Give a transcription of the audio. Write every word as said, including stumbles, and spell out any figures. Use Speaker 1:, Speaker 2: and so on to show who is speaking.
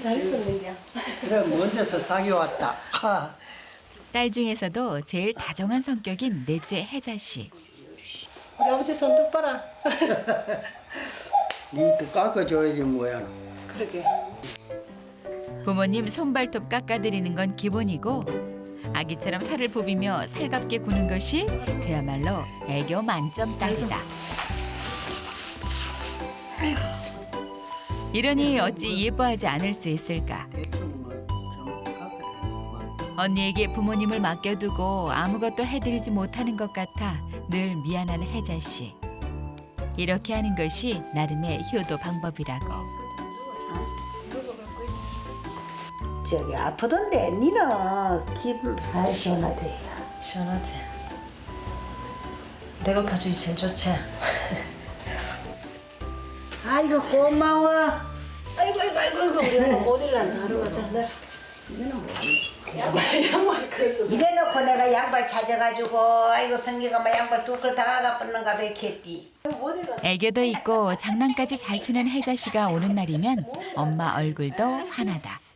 Speaker 1: 잘했었는데.
Speaker 2: 그래 먼저서 사귀어왔다.
Speaker 3: 딸 중에서도 제일 다정한 성격인 넷째 혜자 씨.
Speaker 1: 우리 아버지 손톱 봐라.
Speaker 2: 니또 깎아줘야지 뭐야.
Speaker 1: 그러게.
Speaker 3: 부모님 손발톱 깎아드리는 건 기본이고 아기처럼 살을 부비며 살갑게 구는 것이 그야말로 애교 만점 딸이다. 이러니 어찌 예뻐하지 않을 수 있을까.
Speaker 2: 대충 뭐좀 깎아줘야.
Speaker 3: 언니에게 부모님을 맡겨두고 아무것도 해드리지 못하는 것 같아 늘 미안한 혜자 씨. 이렇게 하는 것이 나름의 효도 방법이라고.
Speaker 4: 저기 아프던데 니는 기분 아 시원하대.
Speaker 1: 시원하지? 내가 봐주기 제일 좋지?
Speaker 4: 아이고 고마워.
Speaker 1: 아이고 아이고 아이고 아이고 우리 엄마 못 일난다. 하러 가자.
Speaker 4: 이거는 뭐?
Speaker 1: 양말 양말 그랬어.
Speaker 4: 이래놓고 내가 양발 찾아가지고 아이고 성기가 막 양발 두끌 다가가 뻗는가 봐 겠디.
Speaker 3: 애교도 있고 장난까지 잘 치는 혜자 씨가 오는 날이면 엄마 얼굴도 환하다.